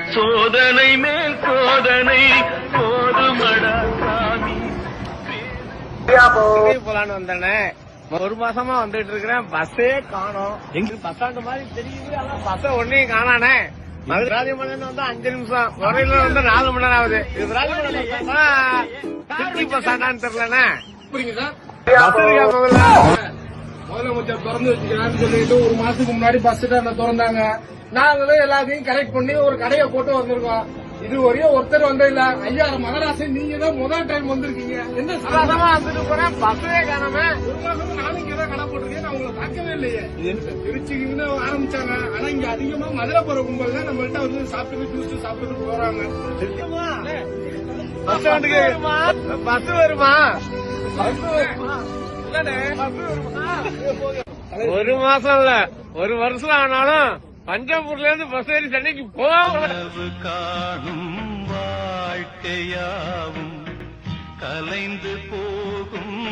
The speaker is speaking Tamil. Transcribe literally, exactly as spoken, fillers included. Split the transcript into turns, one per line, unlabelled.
சோதனை மேல் சோதனை போதுமடா சாமி.
போலான்னு வந்தேனே, ஒரு மாசமா வந்துட்டு இருக்கிறேன். பஸ்ஸே காணோம். எங்க பஸ் ஸ்டாண்ட் மாதிரி தெரியுது, ஆனா பஸ்ஸ ஒன்னையும் காணானே. ராஜமலன் வந்து அஞ்சு நிமிஷம், வரையில வந்து நாலு மணி நேரம் ஆகுது. இது ராஜமலன் பஸ் ஸ்டாண்டான்னு தெரியலண்ணே. பஸ் இருக்கா முதல்ல?
முதலமைச்சர் திறந்து வச்சுக்கிறான்னு சொல்லிட்டு ஒரு மாசத்துக்கு முன்னாடி பஸ் ஸ்டாண்ட திறந்தாங்க. நாங்களும் எல்லாத்தையும் கரெக்ட் பண்ணி ஒரு கடையை போட்டு வந்திருக்கோம். இது வரையும் ஒருத்தர் வந்தது இல்ல. ஐயா மகராசன், நீங்க தான் முதல் டைம் வந்திருக்கீங்க. என்ன
சாதாரணமா வந்துட்டு போறேன், பஸ்ஸே காணாம.
ஒரு மாசம் நானும் இங்க தான் கடை போட்டிருக்கேன். நான் உங்களை பார்க்கவே இல்லையே. திருச்சிக்கு இருந்து ஆரம்பிச்சாங்க. ஆனா இங்க அதிகமா மதுரை போற கும்பல் தான் நம்மள்ட்ட வந்து சாப்பிட்டு ஜூஸ் சாப்பிட்டு போறாங்க.
பஸ் ஸ்டாண்டுக்கு பஸ் வருமா? ஒரு மாசம் இல்ல, ஒரு வருஷம் ஆனாலும் பஞ்சாபூர்ல இருந்து பஸ் ஏறி சென்னைக்கு போக
காணும் வாழ்க்கையாவும் கலைந்து போகும்.